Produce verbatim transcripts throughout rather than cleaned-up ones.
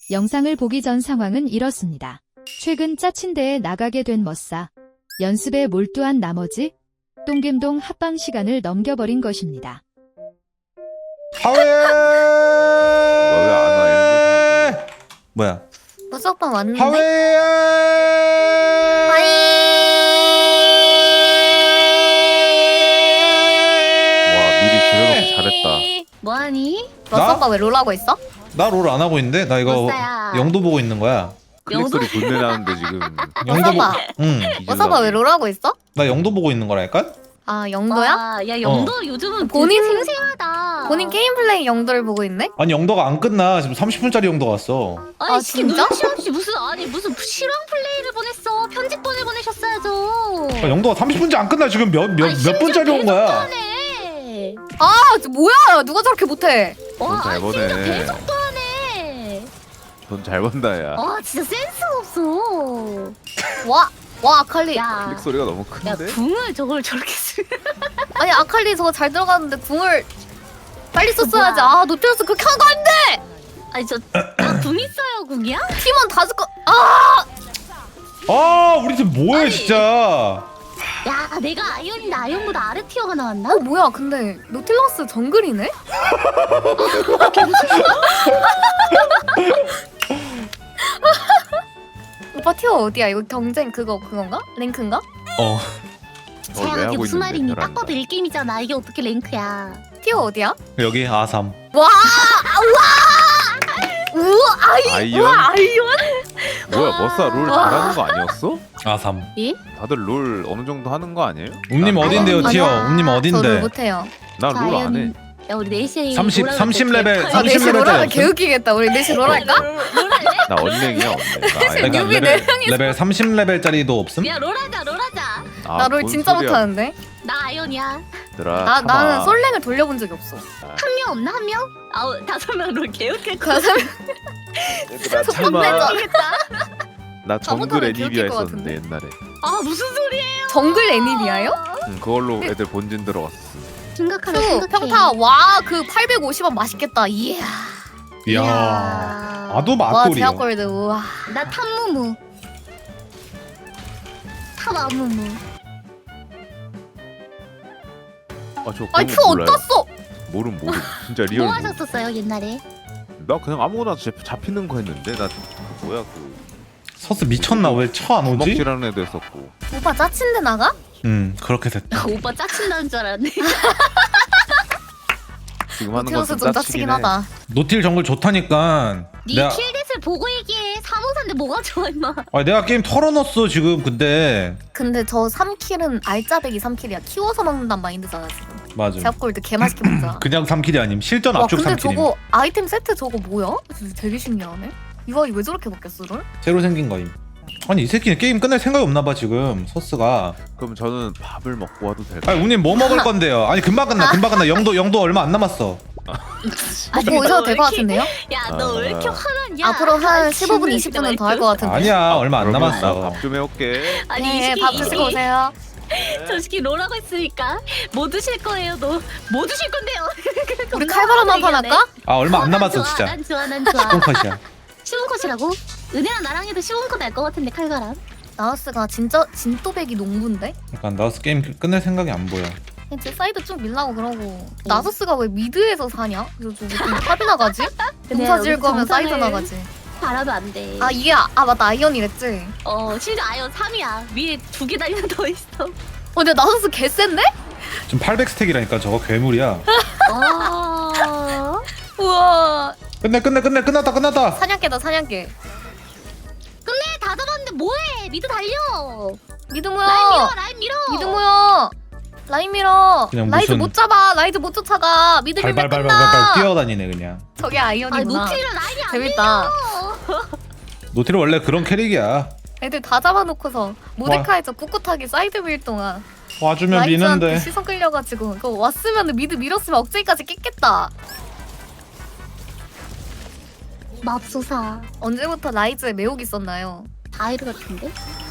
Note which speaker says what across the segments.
Speaker 1: 영상을 보기 전 상황은 이렇습니다. 최근 짜친대에 나가게 된 머싸. 연습에 몰두한 나머지 똥겜동 합방 시간을 넘겨버린 것입니다.
Speaker 2: 하웨!
Speaker 3: 왜 안 와?
Speaker 2: 뭐야?
Speaker 4: 무석방 왔는데?
Speaker 2: 하웨!
Speaker 3: 와 미리 줄여놓기 잘했다.
Speaker 4: 뭐하니?
Speaker 2: 나?
Speaker 4: 무석방 왜 롤하고 있어?
Speaker 2: 나 롤 안 하고 있는데? 나 이거
Speaker 4: 머싸야.
Speaker 2: 영도 보고 있는 거야.
Speaker 3: 클릭 소리 분내 나는데 지금.
Speaker 2: 영도 보...
Speaker 4: 머싸봐.
Speaker 2: 응.
Speaker 4: 무석방 왜 롤하고 있어?
Speaker 2: 나 영도 보고 있는 거랄까?
Speaker 4: 아 영도야?
Speaker 5: 와, 야 영도 요즘은
Speaker 4: 본인-
Speaker 5: 본인 생생하다.
Speaker 4: 본인 게임 플레이 영도를 보고 있네?
Speaker 2: 아니 영도가 안 끝나. 지금 삼십 분짜리 영도 왔어.
Speaker 5: 아니
Speaker 4: 아,
Speaker 5: 지금
Speaker 4: 진짜?
Speaker 5: 눈치 없이 무슨 아니 무슨 실황 플레이를 보냈어. 편집본을 보내셨어야죠.
Speaker 2: 아, 영도가 삼십 분째 안 끝나. 지금 몇 몇
Speaker 5: 아니,
Speaker 2: 몇
Speaker 5: 심지어
Speaker 2: 분짜리 온 거야?
Speaker 5: 하네.
Speaker 4: 아 저 뭐야 누가 저렇게 못해?
Speaker 5: 와,
Speaker 3: 잘
Speaker 5: 아니,
Speaker 3: 보네.
Speaker 5: 진짜 배속도 하네.
Speaker 3: 돈 잘 번다 야.
Speaker 5: 와, 진짜 센스가 없어.
Speaker 4: 와, 와 아칼리
Speaker 5: 야,
Speaker 3: 클릭 소리가 너무
Speaker 5: 야
Speaker 3: 큰데?
Speaker 5: 궁을 저걸 저렇게 쓰.
Speaker 4: 아니 아칼리 저거 잘 들어가는데 궁을 빨리 썼어야지.
Speaker 5: 뭐야?
Speaker 4: 아 노트러스 그렇게 하는 거 안 돼!
Speaker 5: 아니 저나궁 있어요, 궁이야?
Speaker 4: 팀원 다 죽고 아!
Speaker 2: 아 우리 팀 뭐해
Speaker 5: 아니.
Speaker 2: 진짜.
Speaker 5: 야, 내가 아이언인데 아이언보다 아래 티어가 나왔나?
Speaker 4: 어 뭐야 근데 노틸러스 정글이네? 오빠 티어 어디야? 이거 경쟁 그거 그건가? 랭크인가?
Speaker 2: 어.
Speaker 3: 어, 왜
Speaker 5: 자야, 이게
Speaker 3: 하고
Speaker 5: 무슨
Speaker 3: 있는데,
Speaker 5: 말이니?
Speaker 3: 혈안이가.
Speaker 5: 딱 봐도 일 게임이잖아. 이게 어떻게 랭크야?
Speaker 4: 티어 어디야?
Speaker 2: 여기 아삼.
Speaker 4: 와! 와! 우와 아이
Speaker 3: 아이언?
Speaker 4: 우와 아이언?
Speaker 3: 뭐야 머싸 롤
Speaker 4: 와.
Speaker 3: 잘하는 거 아니었어?
Speaker 2: 아삼.
Speaker 5: 예?
Speaker 3: 다들 롤 어느 정도 하는 거 아니에요?
Speaker 2: 웅님
Speaker 3: 난-
Speaker 2: 어딘데요
Speaker 4: 아니야.
Speaker 2: 티어? 웅님
Speaker 4: 저를
Speaker 2: 어딘데?
Speaker 4: 못해요.
Speaker 3: 나 롤 안 해.
Speaker 5: 야, 우리 넷이
Speaker 2: 삼십,
Speaker 5: 롤하면
Speaker 2: 삼십
Speaker 5: 어떡해?
Speaker 2: 레벨,
Speaker 5: 아,
Speaker 4: 아
Speaker 2: 삼십
Speaker 4: 넷이
Speaker 2: 레벨
Speaker 4: 롤하면
Speaker 2: 짜리
Speaker 4: 개웃기겠다. 우리 넷이 롤할까?
Speaker 3: 나 언랭이야 언랭. 나 아예-
Speaker 2: 그러니까
Speaker 4: 뉴비
Speaker 2: 레벨,
Speaker 4: 네 명이서.
Speaker 2: 레벨 삼십 레벨짜리도 없음?
Speaker 5: 야, 롤하자, 롤하자.
Speaker 3: 아,
Speaker 4: 나 롤
Speaker 3: 뭔
Speaker 4: 진짜
Speaker 3: 소리야,
Speaker 4: 못하는데.
Speaker 5: 나 아이언이야.
Speaker 3: 얘들아,
Speaker 4: 나
Speaker 3: 참아.
Speaker 4: 나는 솔랭을 돌려본 적이 없어.
Speaker 5: 한 명 없나? 한 명? 아우, 다섯 명 롤 개웃길 거
Speaker 4: 가서
Speaker 3: 얘들아
Speaker 4: 첫
Speaker 3: 참아.
Speaker 4: 번째
Speaker 3: 나 정글
Speaker 4: 잘못하면
Speaker 3: 애니비아
Speaker 4: 기억일 것
Speaker 3: 했었는데 옛날에.
Speaker 5: 아, 무슨 소리예요?
Speaker 4: 정글 애니비아요?
Speaker 3: 응, 그걸로 애들 본진 들어갔어.
Speaker 5: 심각하다,
Speaker 4: 수
Speaker 5: 심각해.
Speaker 4: 평타 와 그 팔백오십 원 맛있겠다. 이야.
Speaker 2: 이야.
Speaker 5: 이야.
Speaker 2: 아도
Speaker 4: 와
Speaker 2: 맛돌이야.
Speaker 4: 제약골드 우와.
Speaker 5: 나 탑무무. 탑아무무.
Speaker 3: 아저
Speaker 4: 아니 큐 어떻어?
Speaker 3: 모름 모름. 진짜 리얼.
Speaker 5: 뭐
Speaker 3: 모름.
Speaker 5: 하셨었어요, 옛날에?
Speaker 3: 나 그냥 아무거나 잡- 잡히는 거 했는데 나 그 뭐야 그
Speaker 2: 서스 미쳤나 왜 쳐 안 오지?
Speaker 3: 주먹질하는 애도 했었고.
Speaker 4: 오빠 짜친데 나가?
Speaker 2: 응 그렇게 됐다.
Speaker 5: 나 오빠 짜친다는 줄 알았네.
Speaker 3: 지금 하는
Speaker 4: 티어스
Speaker 3: 것은
Speaker 4: 좀
Speaker 3: 짜치긴
Speaker 4: 짜치긴
Speaker 3: 해.
Speaker 4: 하다.
Speaker 2: 노틸 정글 좋다니까.
Speaker 5: 네
Speaker 2: 내가
Speaker 5: 킬댓을 보고 얘기해. 사모사인데 뭐가 좋아, 임마.
Speaker 2: 아 내가 게임 털어놨어 지금 근데.
Speaker 4: 근데 저 삼 킬은 알짜배기 삼 킬이야. 키워서 먹는단 마인드잖아 지금.
Speaker 2: 맞아.
Speaker 4: 제약골드 개 맛있게 먹자.
Speaker 2: 그냥 삼 킬이 아님 실전
Speaker 4: 와
Speaker 2: 압축
Speaker 4: 근데
Speaker 2: 삼 킬임.
Speaker 4: 저거 아이템 세트 저거 뭐야? 진짜 되게 신기하네. 이거 왜 저렇게 바뀌었어 롤?
Speaker 2: 새로 생긴 거임. 아니 이 새끼는 게임 끝낼 생각이 없나봐 지금 서스가.
Speaker 3: 그럼 저는 밥을 먹고 와도 될까요?
Speaker 2: 아니 웅님 뭐 먹을 건데요? 아니 금방 끝나 금방 끝나. 영도 영도 얼마 안 남았어.
Speaker 4: 먹고 오셔도 될 것 같은데요?
Speaker 5: 야, 너 왜 이렇게
Speaker 3: 아.
Speaker 5: 화나냐?
Speaker 4: 앞으로 한
Speaker 5: 아,
Speaker 4: 십오 분
Speaker 5: 진짜
Speaker 4: 이십 분은 더 할 것 같은데.
Speaker 2: 아니야 얼마 안
Speaker 3: 그러면
Speaker 2: 남았어.
Speaker 3: 나 밥 좀 해올게.
Speaker 5: 아니,
Speaker 4: 네,
Speaker 5: 이
Speaker 4: 밥
Speaker 5: 새끼,
Speaker 4: 드시고 오세요.
Speaker 5: 저 새끼 롤하고 있으니까 뭐 드실 거예요? 너 뭐 드실 건데요?
Speaker 4: 우리 칼바람 한판 할까?
Speaker 2: 아 얼마 안
Speaker 5: 난
Speaker 2: 남았어
Speaker 5: 좋아,
Speaker 2: 진짜.
Speaker 5: 난 좋아, 난 좋아.
Speaker 2: 똥컷이야.
Speaker 5: 쉬운 컷이라고? 은혜랑 나랑 해도 쉬운 컷 날 것 같은데, 칼바람.
Speaker 4: 나우스가 진짜 진또배기 농부인데?
Speaker 2: 약간 나우스 게임 끝낼 생각이 안 보여.
Speaker 4: 제 사이드 쭉 밀라고 그러고 나서스가 왜 미드에서 사냐? 그래서 저기 좀 탑이 나가지? 공사 지을 거면 사이드 나가지.
Speaker 5: 바라도 안 돼.
Speaker 4: 아 이게 아, 아 맞다 아이언이랬지?
Speaker 5: 어, 심지어 아이언 삼이야. 위에 두 개 달리는 더 있어.
Speaker 4: 어 근데 나서스 개센데?
Speaker 2: 지금 팔백 스택이라니까 저거 괴물이야.
Speaker 5: 어.
Speaker 4: 우와
Speaker 2: 끝내 끝내 끝내 끝났다 끝났다.
Speaker 4: 사냥개다 사냥개.
Speaker 5: 끝내 다 잡았는데 뭐해? 미드 달려.
Speaker 4: 미드
Speaker 5: 라인 밀어,
Speaker 4: 모여
Speaker 5: 라인 밀어.
Speaker 4: 미드 모여 라인 밀어.
Speaker 2: 그냥
Speaker 4: 라이즈
Speaker 2: 무슨-
Speaker 4: 못 잡아 라이즈 못 쫓아가 미드 밀면
Speaker 2: 발발발발발
Speaker 4: 끝나.
Speaker 2: 뛰어다니네 그냥.
Speaker 4: 저게
Speaker 5: 아니,
Speaker 4: 아이언이구나.
Speaker 5: 노틸은 라인이 안
Speaker 4: 재밌다.
Speaker 2: 노틸은 원래 그런 캐릭이야.
Speaker 4: 애들 다 잡아놓고서 모데카에서 꿋꿋하게 사이드 밀 동안
Speaker 2: 와주면
Speaker 4: 라이즈한테
Speaker 2: 미는데.
Speaker 4: 시선 끌려가지고 그거 왔으면 미드 밀었으면 억제기까지 깼겠다.
Speaker 5: 맙소사.
Speaker 4: 언제부터 라이즈에 매혹이 있었나요?
Speaker 5: 다이르 같은데?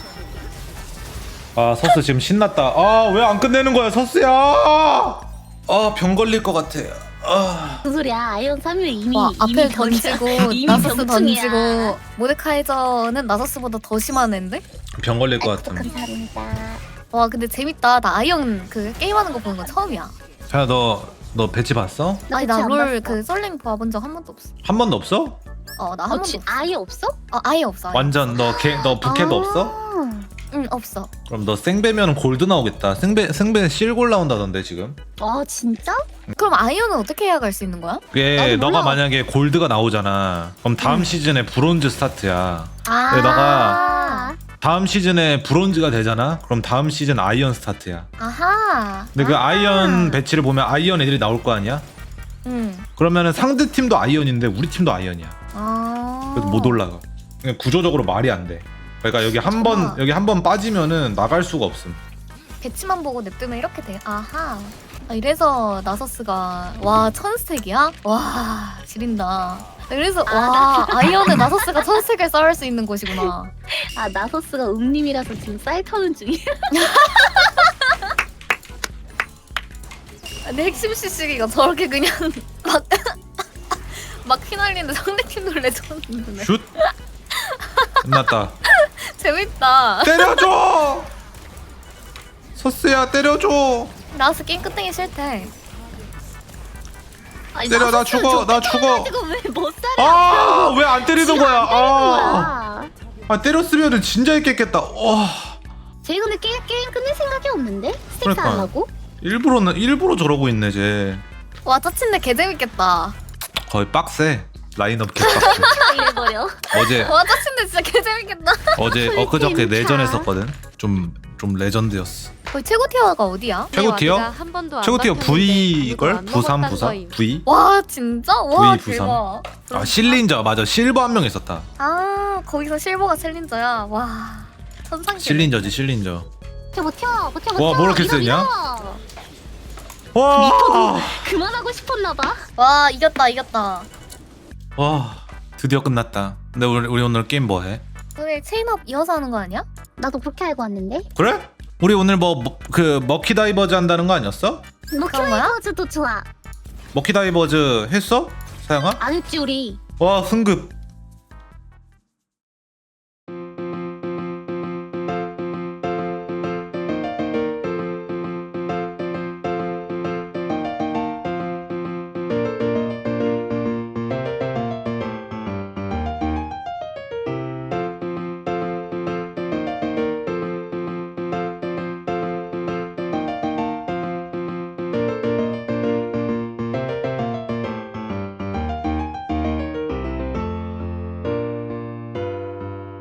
Speaker 2: 아 서스 지금 신났다. 아 왜 안 끝내는 거야 서스야. 아 병 걸릴 것 같아. 아,
Speaker 5: 무슨 소리야? 아이언 삼 위 이미
Speaker 4: 와
Speaker 5: 이미
Speaker 4: 앞에
Speaker 5: 병이야.
Speaker 4: 던지고
Speaker 5: 이미
Speaker 4: 나서스
Speaker 5: 병충이야.
Speaker 4: 던지고 모데카이저는 나서스보다 더 심한 애인데?
Speaker 2: 병 걸릴 것 같음.
Speaker 5: 감사합니다.
Speaker 4: 와 근데 재밌다. 나 아이언 그 게임하는 거 보는 거 처음이야.
Speaker 2: 자, 너, 너 배치 봤어?
Speaker 4: 아니 나 롤 그 썰링 봐본 적 한 번도 없어.
Speaker 2: 한 번도 없어?
Speaker 4: 어 나 한
Speaker 5: 어,
Speaker 4: 번도
Speaker 5: 지,
Speaker 4: 없어.
Speaker 5: 아예 없어?
Speaker 4: 아, 아예 없어. 아예.
Speaker 2: 완전 너 개, 너 부캐도
Speaker 5: 아.
Speaker 2: 없어?
Speaker 4: 응 없어.
Speaker 2: 그럼 너 생배면 골드 나오겠다. 생배 생배 실골 나온다던데 지금.
Speaker 5: 아 진짜?
Speaker 4: 그럼 아이언은 어떻게 해야 갈 수 있는 거야?
Speaker 2: 그게
Speaker 5: 나도
Speaker 2: 너가
Speaker 5: 몰라.
Speaker 2: 만약에 골드가 나오잖아. 그럼 다음
Speaker 4: 음.
Speaker 2: 시즌에 브론즈 스타트야.
Speaker 4: 아.
Speaker 2: 내다가 다음 시즌에 브론즈가 되잖아. 그럼 다음 시즌 아이언 스타트야.
Speaker 4: 아하.
Speaker 2: 근데 그
Speaker 4: 아하.
Speaker 2: 아이언 배치를 보면 아이언 애들이 나올 거 아니야?
Speaker 4: 응.
Speaker 2: 그러면은 상대 팀도 아이언인데 우리 팀도 아이언이야.
Speaker 4: 아.
Speaker 2: 그래서 못 올라가. 그냥 구조적으로 말이 안 돼. 그러니까 여기 한 번
Speaker 4: 정말.
Speaker 2: 여기 한 번 빠지면은 나갈 수가 없음.
Speaker 4: 배치만 보고 냅두면 이렇게 돼. 아하. 아, 이래서 나서스가 와 천스택이야? 와 지린다. 그래서 와 아이언은 나서스가 천스택을 쌓을 수 있는 곳이구나.
Speaker 5: 아 나서스가 음님이라서 지금 쌀 터는 중이야.
Speaker 4: 근데 핵심 씨씨기가 저렇게 그냥 막, 막 휘날리는데 상대팀 놀래줬는데
Speaker 2: 슛. 끝났다.
Speaker 4: 재밌다.
Speaker 2: 때려줘. 서스야 때려줘.
Speaker 4: 나스 게임 끝내기 싫대.
Speaker 5: 아니,
Speaker 2: 때려, 나
Speaker 5: 나서스는
Speaker 2: 죽어, 나
Speaker 5: 저렇게
Speaker 2: 죽어.
Speaker 5: 떠가지고 왜 못 살아?
Speaker 2: 아 왜 안 때리는 거야? 아,
Speaker 5: 거야.
Speaker 2: 아 때렸으면은 진짜 했겠겠다. 와
Speaker 5: 쟤 근데 게임, 게임 끝낼 생각이 없는데? 스틱스
Speaker 2: 그러니까.
Speaker 5: 안 하고?
Speaker 2: 일부러는 일부러 저러고 있네 쟤.
Speaker 4: 와 짜친데 개 재밌겠다.
Speaker 2: 거의 빡세. 라인업 개빡세.
Speaker 5: 이래버려.
Speaker 2: 어제
Speaker 4: 와 짜친데 진짜 개 재밌겠다.
Speaker 2: 어제
Speaker 5: 풀
Speaker 2: 엊그저께
Speaker 5: 게임
Speaker 2: 내전
Speaker 5: 차.
Speaker 2: 했었거든. 좀 좀 레전드였어.
Speaker 4: 거의 최고 티어가 어디야?
Speaker 2: 최고 티어?
Speaker 1: 한 번도 안
Speaker 2: 최고 티어
Speaker 1: 맡았는데
Speaker 2: V 걸
Speaker 1: 아무도 안
Speaker 2: 부산
Speaker 1: 먹었단
Speaker 2: 부산
Speaker 1: 거임.
Speaker 2: V.
Speaker 4: 와 진짜? 와
Speaker 2: V 부산.
Speaker 4: 대박.
Speaker 2: 아 실린저 맞아. 실버 한 명 있었다.
Speaker 4: 아 거기서 실버가 챌린저야. 와 천상계.
Speaker 2: 실린저지 실린저.
Speaker 5: 버텨 버텨 버텨 버텨.
Speaker 2: 와, 뭐 이렇게
Speaker 5: 밀어,
Speaker 2: 세냐?
Speaker 5: 밀어.
Speaker 2: 와.
Speaker 5: 그만하고 싶었나봐.
Speaker 4: 와 이겼다 이겼다.
Speaker 2: 와 드디어 끝났다. 근데 우리 우리 오늘 게임 뭐 해?
Speaker 4: 오늘 체인업 이어서 하는 거 아니야?
Speaker 5: 나도 그렇게 알고 왔는데.
Speaker 2: 그래? 우리 오늘 뭐 그 머키 다이버즈 한다는 거 아니었어?
Speaker 4: 그런 거야?
Speaker 5: 목표의 도 좋아.
Speaker 2: 머키 다이버즈 했어? 사양아?
Speaker 5: 안 했지 우리.
Speaker 2: 와 승급.